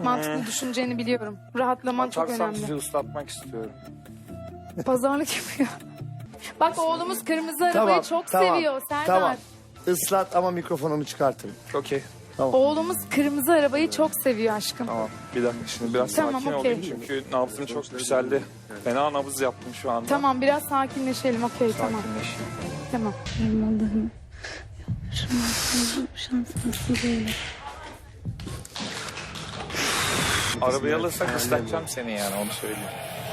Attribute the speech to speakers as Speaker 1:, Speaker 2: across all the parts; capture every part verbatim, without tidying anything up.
Speaker 1: Mantıklı düşüneceğini biliyorum. Rahatlaman çok
Speaker 2: Atarsam
Speaker 1: önemli.
Speaker 2: sizi ıslatmak istiyorum.
Speaker 1: Pazarlık yapıyor. Bak oğlumuz kırmızı arabayı
Speaker 3: Tamam,
Speaker 1: çok
Speaker 3: tamam,
Speaker 1: seviyor Serdar.
Speaker 3: Tamam. Islat ama mikrofonumu çıkartırım.
Speaker 2: Okey.
Speaker 1: Oğlumuz kırmızı arabayı çok seviyor aşkım.
Speaker 2: Tamam. Bir dakika şimdi biraz
Speaker 1: Tamam,
Speaker 2: sakin
Speaker 1: okey.
Speaker 2: olayım çünkü nabzım çok yükseldi. Fena nabız yaptım şu anda.
Speaker 1: Tamam biraz sakinleşelim. Okey tamam.
Speaker 2: Sakinleşeyim.
Speaker 1: Tamam.
Speaker 4: Benim Allah'ım. Şanslı, şanslısı böyle.
Speaker 2: Arabayı alırsak ıslatacağım seni yani onu söyleyeyim.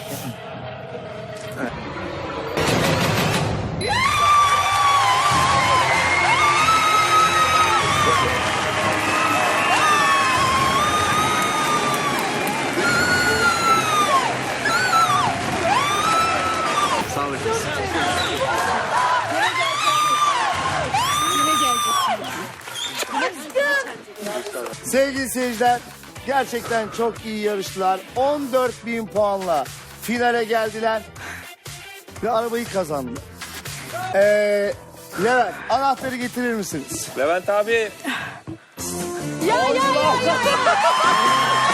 Speaker 3: Sevgili seyirciler, gerçekten çok iyi yarıştılar. on dört bin puanla finale geldiler ve arabayı kazandılar. Ee, Levent, anahtarı getirir misiniz?
Speaker 2: Levent abi.
Speaker 1: Ya ya ya ya.